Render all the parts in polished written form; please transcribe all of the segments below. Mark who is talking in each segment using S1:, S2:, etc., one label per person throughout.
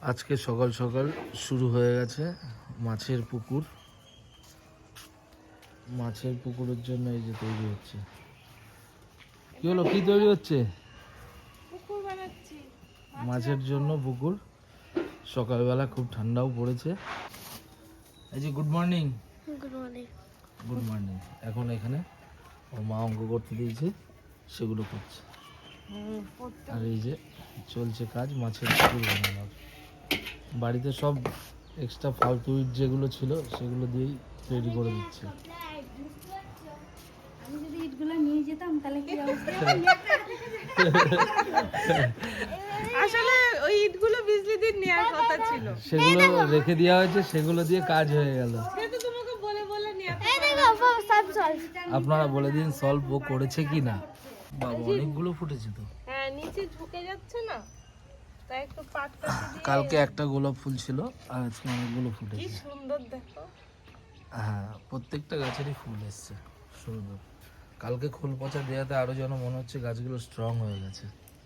S1: আজকে সকাল সকাল শুরু হয়ে গেছে মাছের পুকুর। মাছের পুকুরের জন্য এই যে তৈরি হচ্ছে। কি হলো, কি তৈরি হচ্ছে?
S2: পুকুর বানাচ্ছি
S1: মাছের জন্য পুকুর। সকালবেলা খুব ঠান্ডাও পড়েছে। এই যে good morning.
S2: Good morning.
S1: Good morning. এখন এখানে ওর মা অঙ্ক করতে দিয়েছে, সেগুলো করছে। আর এই যে চলছে কাজ মাছের পুকুর বানানোর। বাড়িতে সব এক্সট্রা ফালতু ইট যেগুলো ছিল সেগুলো দিয়েই তৈরি করে দিচ্ছে।
S2: আমি যদি ইটগুলো নিয়ে যেতাম তাহলে কি অবস্থা? আসলে ওই ইটগুলো বিজলি দিন নেওয়ার কথা ছিল,
S1: সেগুলো রেখে দেওয়া হয়েছে, সেগুলো দিয়ে কাজ হয়ে গেল।
S2: সেটা তোমাকে বলে বলে নিয়ে
S1: আপনারা বলে দিন সলভ ও করেছে কি না। বাবা অনেকগুলো ফুটেছে তো।
S2: হ্যাঁ, নিচে ঝুঁকে যাচ্ছে না, তাই একটু পাট কাটি দিয়ে।
S1: কালকে একটা গোলাপ ফুল ছিল আর আজকে অনেকগুলো
S2: কি
S1: ফুটেছে।
S2: সুন্দর দেখো।
S1: হ্যাঁ, প্রত্যেকটা গাছেরই ফুল এসছে সুন্দর। কালকে খোল পচা দেওয়াতে আরো যেন মনে হচ্ছে গাছগুলো স্ট্রং হয়ে গেছে।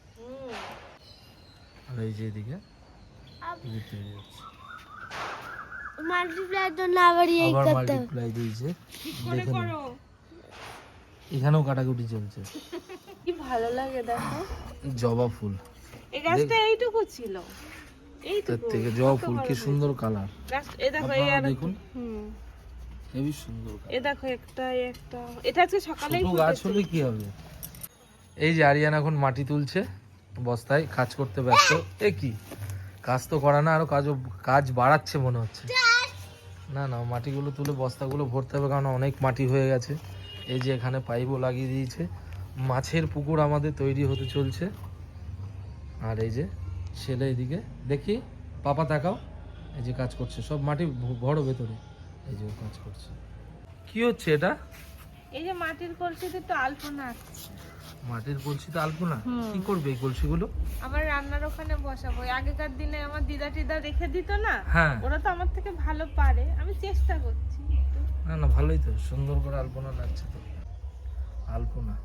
S1: আর এই যে এদিকে তৈরি হচ্ছে।
S2: মাল্টিপ্লাই তো না বাড়িয়ে
S1: আবার মাল্টিপ্লাই দিয়েছে, দেখে নিন। এখানেও কাটাকুটি চলছে।
S2: কি ভালো লাগে দেখো।
S1: জবা ফুল,
S2: এই গাছটা এইটুকু ছিল,
S1: তার
S2: এইটুকু
S1: থেকে জবা ফুল কি সুন্দর কালার।
S2: গাছ। এই দেখো, এই
S1: আপনারা
S2: আর
S1: দেখুন,
S2: হুম,
S1: হেবি সুন্দর
S2: এই
S1: কালার।
S2: দেখো একটা এটা আজকে সকালেই
S1: ছোট গাছ হলে কি হবে। এই যে আরিয়ান এখন মাটি তুলছে বস্তায়, কাজ করতে ব্যস্ত। এ কি কাজ তো করা না, আরো কাজ বাড়াচ্ছে মনে হচ্ছে। না না, মাটিগুলো তুলে বস্তাগুলো ভরতে হবে, কারণ অনেক মাটি হয়ে গেছে। এই যে এখানে পাইপও লাগিয়ে দিয়েছে। মাছের পুকুর আমাদের তৈরি হতে চলছে। আর এই যে ছেলে এদিকে, দেখি পাপা তাকাও, এই যে কাজ করছে, সব মাটি ভরো ভেতরে। এই যে ও কাজ করছে। কি হচ্ছে এটা?
S2: এই যে মাটির কলসিতে তো আলপনা আসছে।
S1: মাটির কলসিতে আলপনা? কি করবে এই কলসিগুলো?
S2: আমার রান্নার ওখানে বসাবো। আগেকার দিনে আমার দিদা টিদা রেখে দিত না,
S1: হ্যাঁ,
S2: ওরা তো আমার থেকে ভালো পারে, আমি চেষ্টা করছি একটু।
S1: না না, ভালোই তো, সুন্দর করে আলপনা লাগছে তো। আলপনা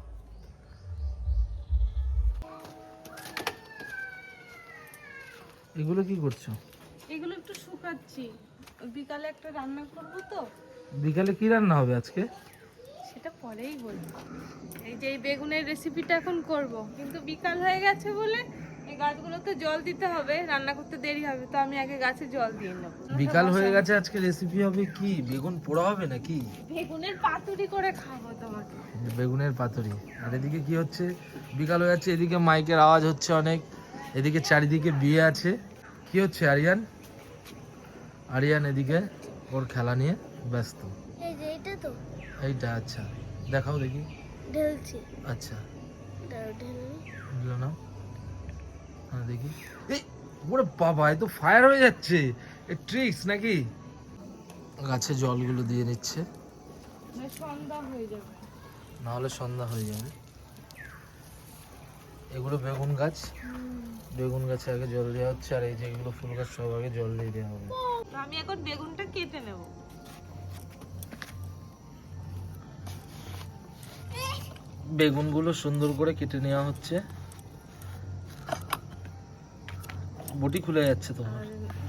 S1: এগুলো কি করছো?
S2: এগুলো একটু শুকাচ্ছি, বিকালে একটা রান্না করব তো।
S1: বিকালে কি রান্না হবে আজকে?
S2: সেটা পরেই বলবো। এই যে এই বেগুনের রেসিপিটা এখন করব, কিন্তু বিকাল হয়ে গেছে বলে এই গাছগুলোতে জল দিতে হবে, রান্না করতে দেরি হবে, তো আমি আগে গাছে জল দিয়ে নেব।
S1: বিকাল হয়ে গেছে, আজকে রেসিপি হবে কি? বেগুন পোড়া হবে নাকি?
S2: বেগুনের পাতুরি করে খাবো তোমাকে।
S1: বেগুনের পাতুরি। আর এদিকে কি হচ্ছে? বিকাল হয়ে যাচ্ছে, এদিকে মাইকের আওয়াজ হচ্ছে অনেক, এদিকে চারিদিকে বিয়ে আছে। কি হচ্ছে আরিয়ান? আরিয়ান এদিকে ওর খেলা নিয়ে ব্যস্ত।
S2: এই যে এটা তো
S1: এইটা? আচ্ছা, দেখাও দেখি।
S2: ঢেলছি,
S1: আচ্ছা,
S2: ঢেলনি।
S1: বুঝলো না? হ্যাঁ দেখি। এই ওরে বাবা, এ তো ফায়ার হয়ে যাচ্ছে। এ ট্রিক্স নাকি? গাছে জলগুলো দিয়ে নিচ্ছে,
S2: সন্ধ্যা হয়ে যাবে।
S1: না হলে সন্ধ্যা হয়ে যাবে। এগুলো বেগুন গাছ, বেগুন গাছে আগে জল দেওয়া হচ্ছে। আর এই যে এগুলো ফুল গাছ, সব আগে জল দিয়ে দেওয়া হবে।
S2: তো আমি এখন বেগুনটা কেটে নেব।
S1: বেগুনগুলো সুন্দর করে কেটে নেওয়া হচ্ছে। বটি খুলে যাচ্ছে তোমার।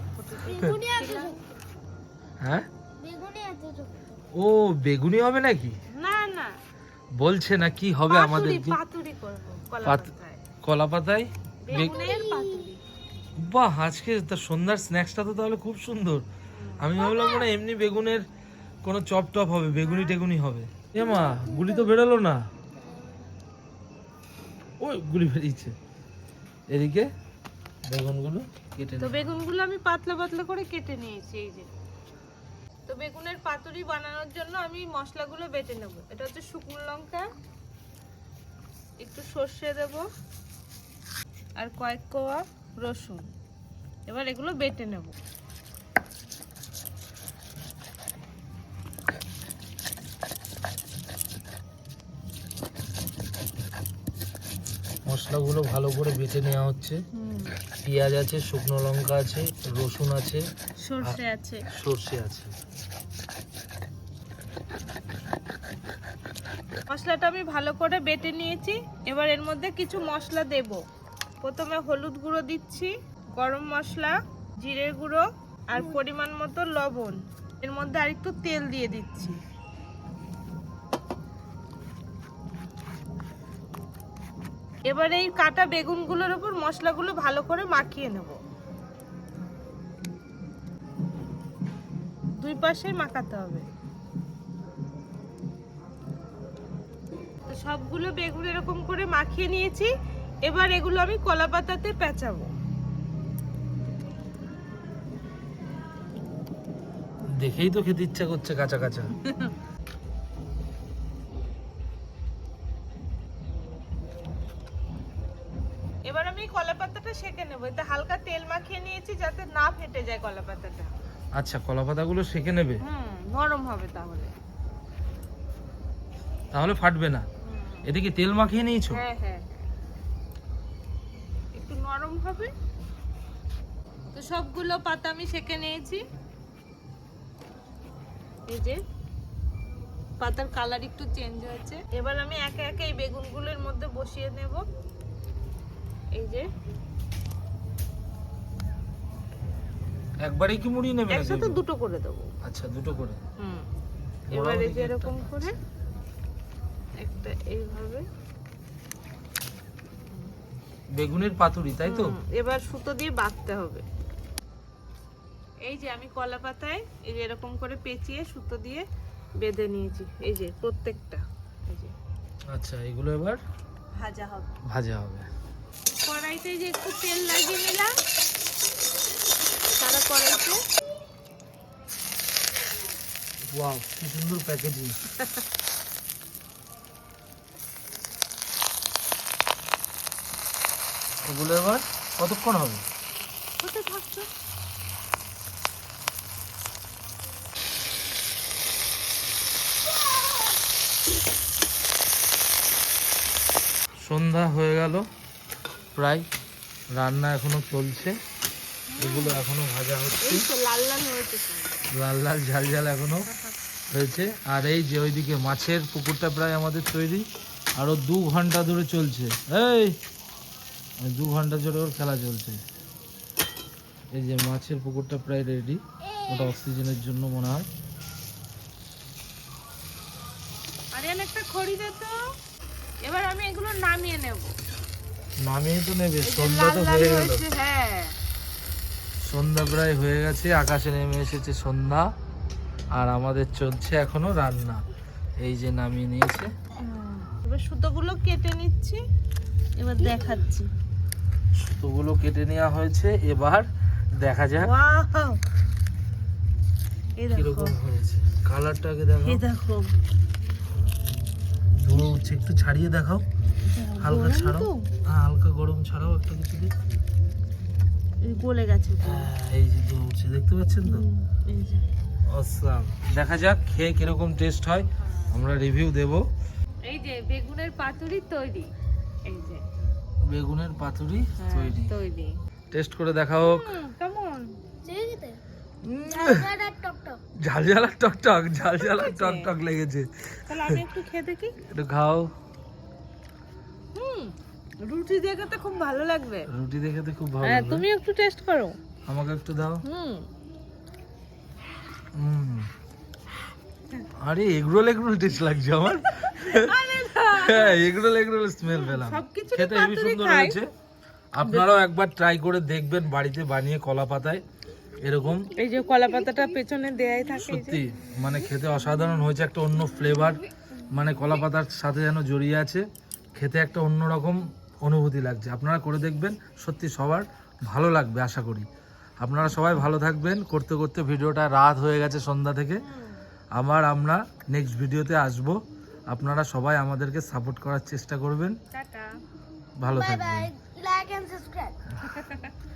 S1: হ্যাঁ, ও বেগুনি হবে নাকি?
S2: না না,
S1: বলছে না কি হবে আমাদের?
S2: পাতুরি করব কলা
S1: পাত-
S2: পাতায়।
S1: কলা পাতায়
S2: বেগুনের পাতুরি।
S1: বাহ, আজকে তার সন্ধ্যার স্ন্যাক্সটা তো তাহলে খুব সুন্দর। আমি ভাবলাম মনে হয় এমনি বেগুনের কোনো চপ টপ হবে, বেগুনি টেগুনি হবে। এ মা, গুলি তো বেরোলো না। ওই গুলি বেরিয়েছে। এদিকে বেগুনগুলো কেটে
S2: তো বেগুনগুলো আমি পাতলা পাতলা করে কেটে নিয়েছি, এই যে। তো বেগুনের পাতুরি বানানোর জন্য আমি মশলাগুলো বেটে নেব। এটা হচ্ছে শুকনো লঙ্কা, একটু সর্ষে দেব, আর কয়েক কোয়া রসুন। এবার এগুলো বেটে নেব।
S1: মশলাগুলো ভালো করে বেটে নেওয়া হচ্ছে। পেঁয়াজ আছে, শুকনো লঙ্কা আছে, রসুন আছে,
S2: সর্ষে আছে,
S1: সর্ষে আছে।
S2: মশলাটা আমি ভালো করে বেটে নিয়েছি। এবার এর মধ্যে কিছু মশলা দেব। প্রথমে হলুদ গুঁড়ো দিচ্ছি, গরম মশলা, জিরে গুঁড়ো আর পরিমাণ মতো লবণ, এর মধ্যে আরেকটু তেল দিয়ে দিচ্ছি। এবার এই কাটা বেগুনগুলোর উপর মশলাগুলো ভালো করে মাখিয়ে নেব। দুই পাশে মাখাতে হবে। তো সবগুলো বেগুন এরকম করে মাখিয়ে নিয়েছি। এবার এগুলো আমি কলা পাতাতে পেঁচাবো।
S1: দেখেই তো খেতে ইচ্ছা করছে কাঁচা কাঁচা।
S2: এবার আমি কলা পাতাটা সেঁকে নেবো। এতে হালকা তেল মাখিয়ে নিয়েছি যাতে না ফেটে যায় কলা পাতাটা।
S1: আচ্ছা, কলা পাতাগুলো সেঁকে নেবে,
S2: নরম হবে তাহলে।
S1: তাহলে ফাটবে না। এদিকে তেল মাখিয়ে নিয়েছো?
S2: হ্যাঁ হ্যাঁ, একটু নরম হবে। তো সবগুলো পাতা আমি সেঁকে নিয়েছি। এই যে পাতার কালার একটু চেঞ্জ হয়েছে। এবার আমি একে একে এই বেগুনগুলোর মধ্যে বসিয়ে নেব। এই যে
S1: একবারেই কি মুড়িয়ে নেবে?
S2: একসাথে দুটো করে দেবো।
S1: আচ্ছা, দুটো করে।
S2: এবার এই যে এরকম করে একটা এইভাবে
S1: বেগুনের পাতুরি, তাই তো?
S2: এবার সুতো দিয়ে বাঁধতে হবে। এই যে আমি কলা পাতায় এই যে এরকম করে পেঁচিয়ে সুতো দিয়ে বেঁধে নিয়েছি। এই যে প্রত্যেকটা। এই যে
S1: আচ্ছা, এগুলো এবার
S2: ভাজা হবে।
S1: ভাজা হবে।
S2: কড়াইতে যে একটু তেল লাগিয়ে নিলাম সারা কড়াইতে।
S1: ওয়াও, কি সুন্দর প্যাকেজিং। এগুলো এবার কতক্ষণ হবে?
S2: হতে থাকছো।
S1: সন্ধ্যা হয়ে গেল প্রায়, রান্না এখনো চলছে। এগুলো এখনো ভাজা হচ্ছে,
S2: এই তো লাল লাল হয়েছে সব।
S1: লাল লাল ঝাল ঝাল এখনো হয়েছে। আর এই যে ওইদিকে মাছের পুকুরটা প্রায় আমাদের তৈরি, আরো 2 ঘন্টা ধরে চলছে। এই 2 ঘন্টা ধরে ওর খেলা চলছে। এই যে মাছের পুকুরটা প্রায় রেডি, ওটা অক্সিজেনের জন্য মনে হয়।
S2: আরিয়ান একটা খড়ি দে তো। এবার আমি এগুলো নামিয়ে নেব।
S1: নামিয়ে তো নেবে,
S2: এই যে
S1: সন্ধ্যা
S2: লাল
S1: তো
S2: লাল
S1: হয়ে গেল।
S2: হয়েছে, হ্যাঁ
S1: সন্ধ্যা প্রায় হয়ে গেছে, আকাশে নেমে এসেছে সন্ধ্যা। আর আমাদের চলছে এখনো রান্না। এই যে নামিয়ে নিয়েছে।
S2: এবার সুতোগুলো কেটে নিচ্ছি, এবার দেখাচ্ছি।
S1: সুতোগুলো কেটে নেওয়া হয়েছে, এবার দেখা যাক
S2: ওয়াও, এই দেখো,
S1: কিরকম হয়েছে। কালারটাকে দেখো,
S2: এই দেখো।
S1: ধুলো উঠছে, একটু ছাড়িয়ে দেখাও, হালকা
S2: গরম
S1: ছাড়াও।
S2: তো?
S1: হ্যাঁ, হালকা গরম ছাড়াও একটা কিছু দিয়ে।
S2: এই গলে গেছে তো।
S1: হ্যাঁ, এই যে ধুলো উঠছে, দেখতে পাচ্ছেন তো?
S2: এই যে
S1: অসাম। দেখা যাক খেয়ে কিরকম টেস্ট হয়, আমরা রিভিউ দেব।
S2: এই যে বেগুনের পাতুরি তৈরি। এই যে
S1: বেগুনের পাতুরি
S2: হ্যাঁ,
S1: তৈরি।
S2: তৈরি।
S1: টেস্ট করে দেখাও।
S2: কেমন?
S1: ঝাল ঝাল আর টক, ঝাল ঝাল আর টক লেগেছে।
S2: তাহলে আমি একটু খেয়ে দেখি।
S1: একটু খাও।
S2: রুটি দিয়ে খেতে খুব ভালো লাগবে।
S1: রুটি দেখে তো খুব ভালো
S2: হ্যাঁ,
S1: লাগবে।
S2: তুমি একটু টেস্ট করো।
S1: আমাকে একটু দাও।
S2: হুম,
S1: আরে এগরোল টেস্ট লাগছে আমার। হ্যাঁ, এগরোল স্মেল পেলাম।
S2: সবকিছু
S1: খেতে হেবি সুন্দর হয়েছে। আপনারাও একবার ট্রাই করে দেখবেন বাড়িতে বানিয়ে কলা পাতায় এরকম।
S2: এই যে কলা পাতাটা পেছনে দেয়াই থাকে। এই যে
S1: সত্যি মানে খেতে অসাধারণ হয়েছে, একটা অন্য ফ্লেভার, মানে কলা পাতার সাথে যেন জড়িয়ে আছে। খেতে একটা অন্যরকম অনুভূতি লাগছে। আপনারা করে দেখবেন, সত্যি সবার ভালো লাগবে আশা করি। আপনারা সবাই ভালো থাকবেন। করতে করতে ভিডিওটা রাত হয়ে গেছে সন্ধ্যা থেকে। আমরা নেক্সট ভিডিওতে আসব। আপনারা সবাই আমাদেরকে সাপোর্ট করার চেষ্টা করবেন।
S2: টাটা।
S1: ভালো থাকবেন।
S3: Like and subscribe.